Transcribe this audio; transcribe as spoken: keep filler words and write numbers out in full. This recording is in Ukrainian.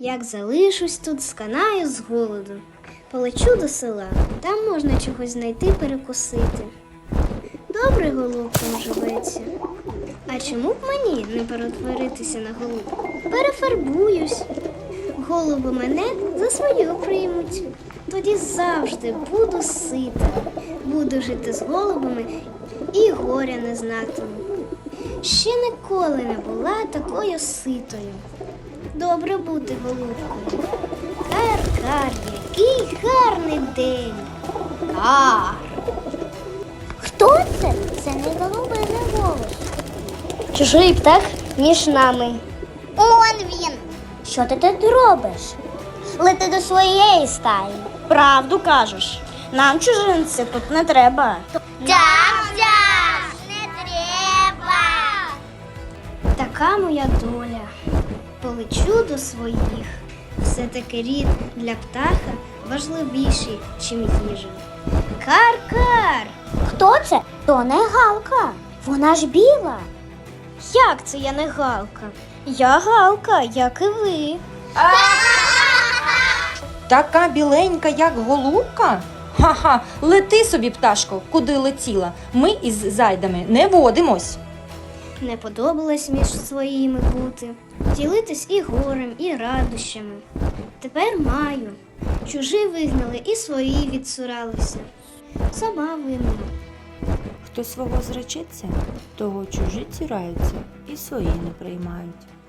Як залишусь тут, сканаю з голоду. Полечу до села, там можна чогось знайти перекусити. Добре голубкам живеться. А чому б мені не перетворитися на голубку? Перефарбуюсь. Голуби мене за свою приймуть. Тоді завжди буду сита. Буду жити з голубами і горя не знатиму. Ще ніколи не була такою ситою. Добре бути голубкою. Кар-кар, який гарний день. Кар. Хто це? Це не голубиний голос. Чужий птах між нами. Он він. Що ти тут робиш? Лети до своєї стаї. Правду кажеш. Нам чужинці тут не треба. Дям-дям! Не треба! Така моя доля. Полечу до своїх. Все-таки рід для птаха важливіший, чим їжа. Кар-кар! Хто це? То не галка. Вона ж біла. Як це я не галка? Я галка, як і ви. Така біленька, як голубка? Ха-ха, лети собі, пташко, куди летіла. Ми із зайдами не водимось. Не подобалось між своїми бути, ділитись і горем, і радощами. Тепер маю. Чужі вигнали і свої відсуралися. Сама винна. Хто свого зречеться, того чужі ціраються і свої не приймають.